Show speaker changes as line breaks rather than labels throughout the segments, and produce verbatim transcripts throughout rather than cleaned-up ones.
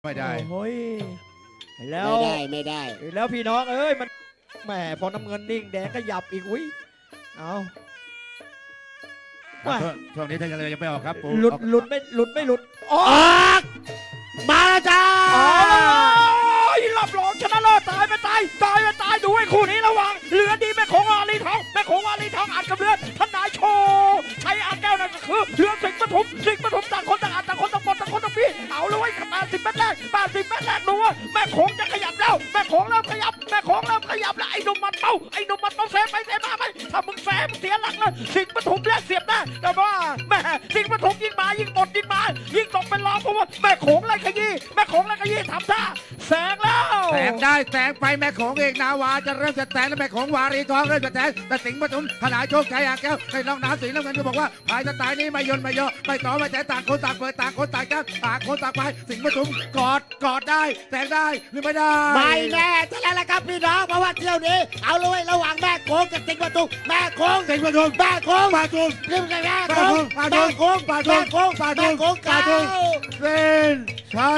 ไม่ได้
โอ้ยแล้ว
ไม่ได้ไม่ได้
แล้วพี่น้องเอ้ยมันแหมพอน้ำเงินนิ่งแดงก็หยับอีกอุ้ยเอา
ช่วงนี้ท่านยังไม่ออกครับ
หลุดหลุดไม่หลุดไม่หลุด
ออกมาแล้วจ้า
รับรองชนะเลิศตายไปตายตายไปตายดูไอ้คู่นี้ระวังเหลือดีแม่ของวาลีทองแม่ของวาลีทองอัดกับเลือดท่านนายโชว์ใช้อัดแก้วนั่นก็คือเลือดสิงห์ปฐมสิงห์ปฐมต่างคนต่างอัดต่างคนต่างหมดต่างคนต่างพี่เอาเลยแปดสิบเมตรแรกแปดสิบเมตรแรกดูว่าแม่ของจะขยับแล้วแม่ของเริ่มขยับแม่ของเริ่มขยับแล้วไอ้หนุ่มมันเป้าไอ้หนุ่มมันเป้าแซงไปแซงมาไหมถ้ามึงแซงเสียหลักเลยสิงห์ปฐมแรกเสียบหน้าแต่ว่าแม่สิงห์ปฐมยิงมายิงหมดยิงมายิงตกเป็นรองเพราะว่าแม่ของไรขยี้แม่ของไรขยี้ทำท่าแซงแล้ว
แซงได้แซงไปแม่ของเอกนาวาจะเริ่มจะแซงแล้วแม่ของวารีทองเริ่มจะแซงแต่สิงห์ปฐมขนาดโชคชัยอ่างแก้วในน้องน้ำสีน้ำเงินก็บอกว่าภายสไตล์นี้ไม่ยนไม่ย่อไม่ต่อไม่แต่ต่างคนต่างเปิดต่างคนต่างแก้วต่างคนต่างไปสิงห์ปฐมกอดกอดได้แซงได้หรือไม่ได้
ไม่แน่จะแล้วละครับพี่น้องเพราะว่าเที่ยวนี้เอาเลยระหว่างแม่โค้งกับสิงห์ปฐมแม่โค้ง
สิงห์ปฐม
แม่โค้ง
ปาทุม
เรื่องแม่โค้ง
ปาทุม
แม่โค้ง
ปาทุม
แม่โค้ง
ปาทุม
แม่โค้ง
ปาทุมเส้นใช่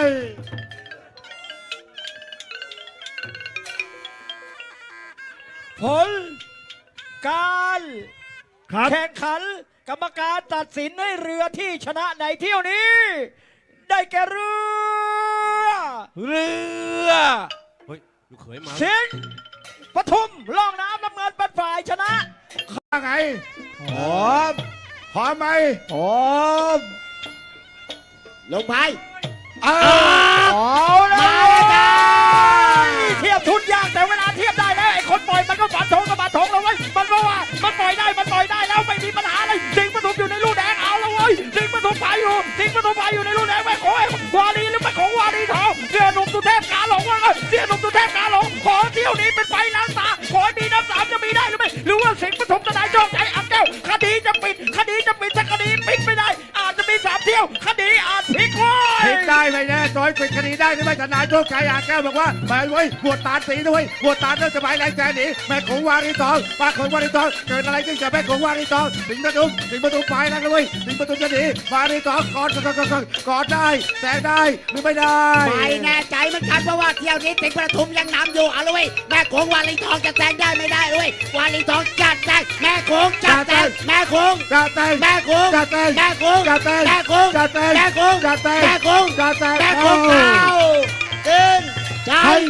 ผลการแข่งขันกรรมการตัดสินให้เรือที่ชนะในเที่ยวนี้ ได้แก่เรือ
เรือเฮ้ยลูกเขยมา
สิงห์ปทุมล่องน้ำน้ำเงินเป็นฝ่ายชนะ
ข้าไงพร้อมพร้อมไหม
พร้อม
ลงพาย
เอาเลยเทียบทุนยากแต่เวลาเทียบได้แล้วไอ้คนปล่อยมันก็ฝันทงกับฝันทงแล้วเว้ยมันก็ว่ามันปล่อยได้มันปล่อยได้แล้วไม่มีปัญหาอะไรสิงห์ปทุมอยู่ในลูกแดงเอาแล้วเว้ยสิงห์ปทุมไปอยู่สิงห์ปทุมไปอยู่ในลูกแดงแม่ของวารีหรือแม่ของวารีทองเสียหนุ่มตุเทพกาหลงว่าไงเสียหนุ่มตุเทพกาหลงขอเที่ยวนี้เป็นไฟล้างตาขอมีน้ำสามจะมีได้หรือไม่หรือว่าสิงห์ปทุมจะได้โชคใจอับแก้วคดีจะปิดคดีจะปิดถ้าคดีปิดไม่ได้อาจจะมีสามเที่ยวคดีอาจพลิกว้ย
พลิกได้ไม่แน่ซอยปิดคดีได้หรือไม่ทนายโชคชัยอ่างแก้วบอกว่าไปไว้บวชตาสีด้วยบวชตาเริ่มจะไปแรงใจหนีแม่ของวารีทองป้าของวารีทองเกิดอะไรขึ้นกับแม่ของวารีทองสิงห์ปทุมสิงห์ปทุมไปแล้วเลยสิงห์ปทุมจะหนีวารีทองกอดกอดกอดกอดได้แซงได้หรือไม่ได้
ไม่แน่ใจเหมือนกันเพราะว่าเที่ยวนี้สิงห์ปทุมยังนำอยู่เอาเลยแม่ของวารีทองจะแซงได้ไม่ได้เลยวารีทองจัดแซงแม่ของจัดแซงแม่ของ
จัดแซง
แม่ของ
จัดแซง
แม่ของ
จัดแซง
แม่ของ
จัดแซง
แม่ของ
จัดแซง
แม่ของ
จัดแซง
แม่ของเอาขึ้นใจ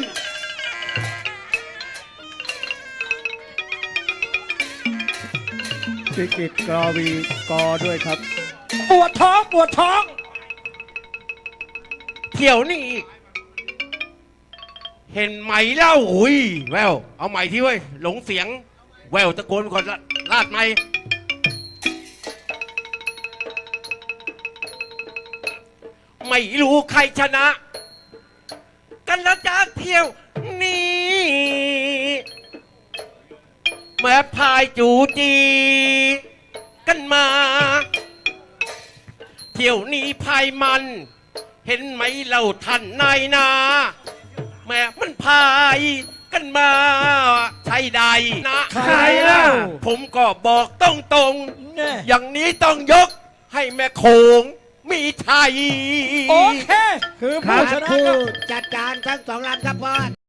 พิกิตกรวีกอด้วยครับปวดท้องปวดท้อง
เที่ยวนี่เห็นไหมเล่าอุ้ยแววเอาใหม่ที่เว้ยหลงเสียงแววตะโกนก่อนลาดไหมไม่รู้ใครชนะ กันแล้วจากเที่ยวนี้แม่พายจูจีกันมาเที่ยวนี้พายมันเห็นไหมเราท่านนายนาแม่มันพายกันมาใช่ใดนะ
ใครเล่า
ผมก็บอกตรงๆอย่างนี้ต้องยกให้แม่โขงมีชัย
โอเคคือผู้ชนะ
จัดการทั้งสองลำครับพ่อ